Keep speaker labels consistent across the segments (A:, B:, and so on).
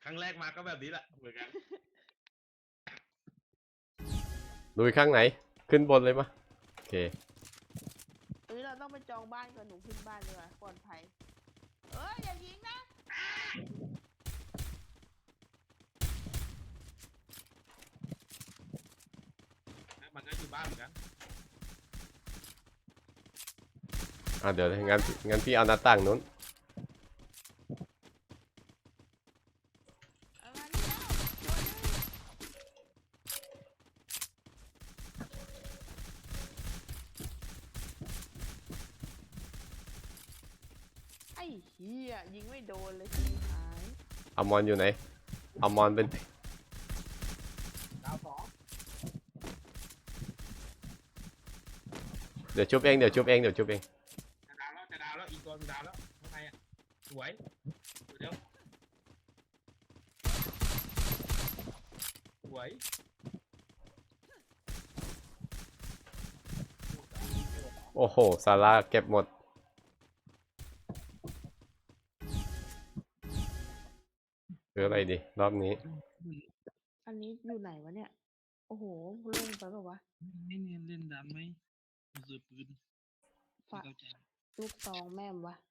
A: ครั้งแรกมาก็แบบนี้แหละเหมือนกัน
B: ลุยข้างไหนขึ้นบนเลยมะโอเค
C: เราต้องไปจองบ้านก่อนหนูขึ้นบ้านดีกว่าปลอดภัยอย่ายิงนะ
A: มันก็อยู่บ้านเหมือนกัน
B: เดี๋ยวงั้นพี่เอาหน้าต่างนู้น
C: ไอ้เหี้ยยิงไม่โดนเลยทีหาย
B: เอามอนอยู่ไหนเอามอนเป็น
A: ดาวสอง
B: เดี๋ยวชุบเอง
A: จะดาวแล้วอีกตัวดาวแล้วข้างในอ่ะสวยเดี๋ยวสวย
B: โอ้โหซาร่าเก็บหมดหรืออะไรดีรอบนี้
C: อันนี้อยู่ไหนวะเนี่ยโอ้โหลงไปแบบวะ
D: ไม่เนียนเล่นดันไหมซื้อปืน
C: ฝาลูกซองแม่มวะ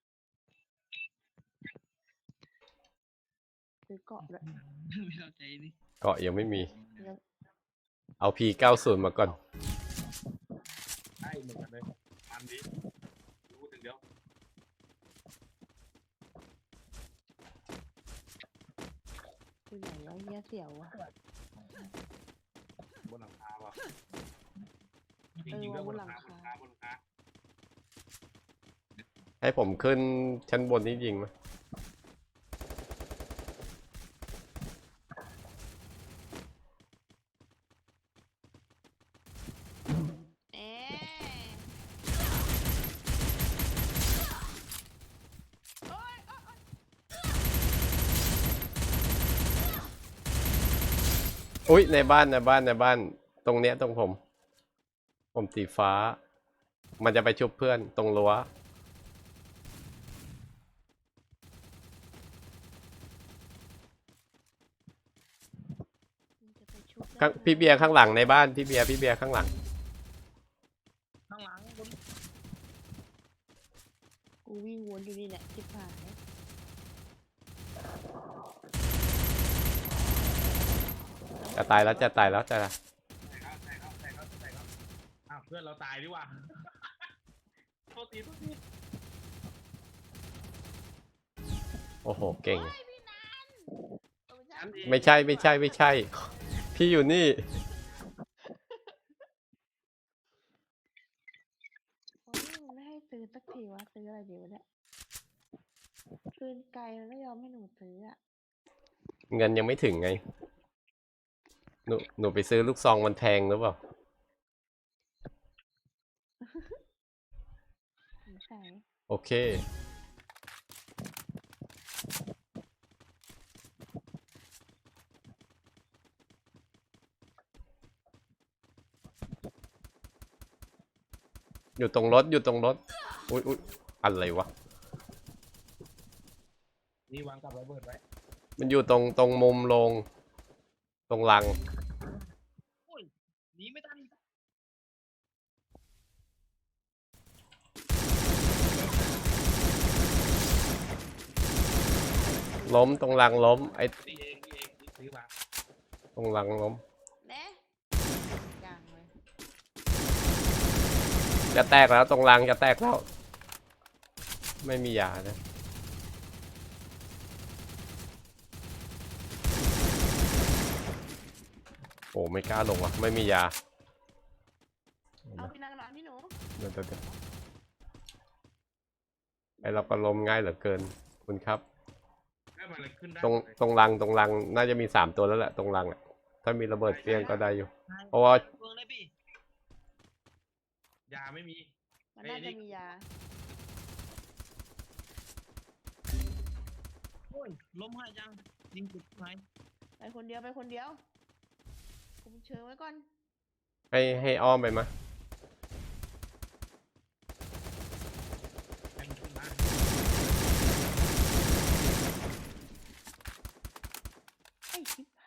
C: ซื้อเกาะด้วย
D: ไม่เข้าใจนี่
B: เกาะยังไม่มีเอา P90 มาก่อน
A: ใช่เหมือนกันเลยมันดีรู้ถึงเดียว
C: คือไหนวะเหี้ยเสียววะ
A: บนหลังคาว่ะจริงๆแล้วบนหลังคา
B: ให้ผมขึ้นชั้นบนนี้ยิงไหมอุ้ยในบ้านตรงเนี้ยตรงผมสีฟ้ามันจะไปชุบเพื่อนตรงรั้วพี่เบียร์ข้างหลังในบ้านพี่เบียร์ข้างหลัง
C: กูวิ่งวนอยู่นี่แหละจิบหาย
B: จะตายแล้ว
A: อ้าวเพื่อนเราตายดีกว่าโทษที
B: โอ้โหเก่ง
C: ไม่
B: ใช่พี่อยู่นี่
C: ไม่ให้ซื้อสักทีวะซื้ออะไรดีวะเนี่ยปืนไกลแล้วไม่ยอมให้หนูซื้ออ่ะ
B: เงินยังไม่ถึงไงหนูไปซื้อลูกซองมันแพงหรือเปล่า
C: ใช่
B: โอเคอยู่ตรงรถอุ๊ยอะไรวะ
A: นี่วางกับระเบิดไว้
B: มันอยู่ตรงมุมลงตรงลัง
D: โอ้ยหนีไม่ทัน
B: ล้มตรงลังล้มไอ้
A: ตีเองซื้อมา
B: ตรงลังล้ม
C: ยังเลย
B: จะแตกแล้วตรงลังจะแตกแล้วไม่มียานะโอ้ไม่กล้าลงว่ะไม่มียา
C: เอาพี่นางร้านพี่หนู
B: เดี๋ยวไอเราก็ล้มง่ายเหลือเกินคุณครับตรงลังน่าจะมี3 ตัวแล้วแหละตรงลังอ่ะถ้ามีระเบิดเฟี้ยงก็ได้อยู่เพราะว่
A: ายาไม่มี
C: มันน่าจะมียา
D: โอ้ยล้มหายยังยิงจุดไหน
C: ไปคนเดียวคุมเชิงไว้ก่อน
B: ให้อ้อมไปมะ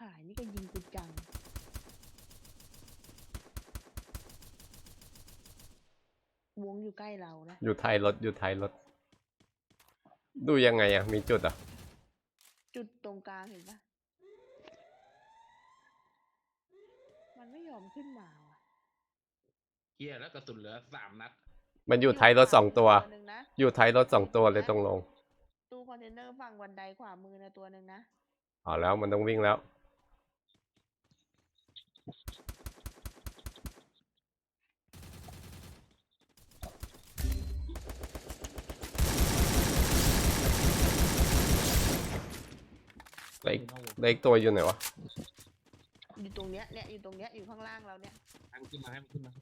C: ายนี่ก็ยิงกูจัง วงอยู่ใกล้เรานะ
B: อยู่ท้ายรถอยู่ท้ายรถ ดูยังไงอ่ะ มีจุดอ่ะ
C: จุดตรงกลางเห็นปะมันไม่ยอมขึ้นมาว่ะ
A: เฮียแล้วกระสุนเหลือ3 นัด
B: มันอยู่ท้ายรถ2 ตัว
C: หนึ่งนะ
B: อยู่ท้ายรถ2 ตัวเลยตรงลง
C: ตู้คอนเทนเนอร์ฝั่งบันไดขวามือนะตัวหนึ่งนะ
B: เอาแล้วมันต้องวิ่งแล้ว แล้วอีกตัวอยู่ไหนวะ
C: อยู่ตรงเนี้ยเนี่ยอยู่ตรงเนี้ยอยู่ข้างล่างเราเนี่ย
A: ให้มันขึ้นมาให้มันขึ้นมา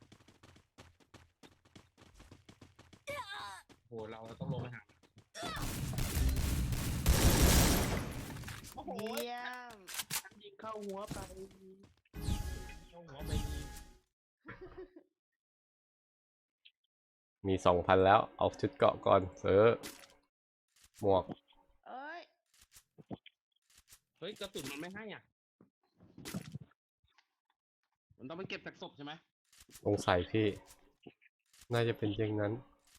A: โหเราต้องลงไปหาโอ้โห
C: เยี่ยม
A: ยิงเข้าหัวไปเข้าหัวไป
B: มี 2,000 แล้ว เอาชุดเกราะก่อนซื้อหมวก
C: เอ้ย
A: เฮ้ยกระสุนมันไม่ให้อ่ะมันต้องไปเก็บจากศพใช่ไหม
B: สงสัยพี่ น่าจะเป็นอย่างนั้น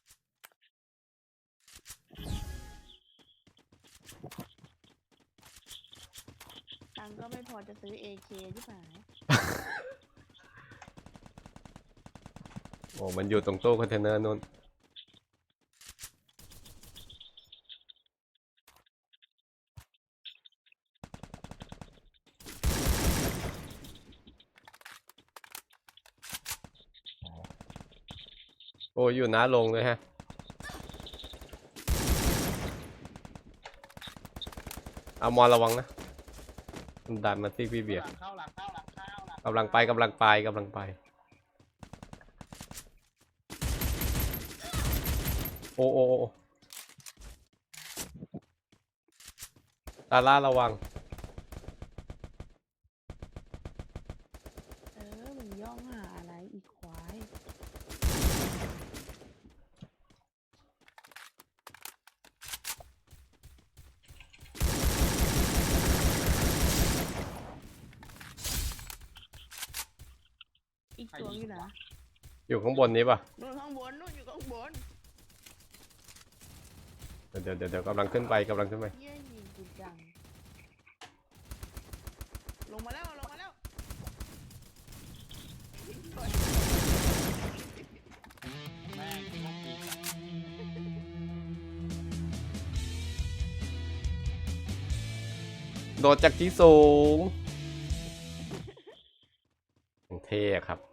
C: ตังค์ก็ไม่พอจะซื้อ AK ใช่ไหม
B: โอ้มันอยู่ตรงตู้คอนเทนเนอร์นู่น โอ้อยู่หน้าลงเลยฮะ เอามอระวังนะมันดันมาที่พี่เบียร์
A: หลังเข้าหลังเข้าหลังเข้าหลัง
B: กำลังไปกำลังไปกำลังไป โอ้โอ้โอ้ตาล่าระวัง
C: มึงย่องหาอะไรอีกควาย อีกตัวอยู่นะ
B: อยู่ข้างบนนี้ป่ะ
C: นู่นข้างบนนู่นอยู่ข้างบน
B: เดี๋ยวกำลังขึ้นไปกำลังขึ้นไป
C: เยี่ยยิงกูจัง ลงมาแล้วลงมาแล้ว
A: แม่งโคตรดีจัง
B: โดดจากที่สูงเท่อะครับ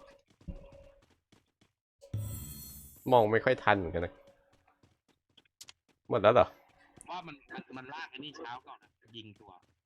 B: มองไม่ค่อยทันเหมือนกันนะ หมดแล้วเหรอ
A: ว่ามันลากไอ้นี่เช้าก่อนอะยิงตัว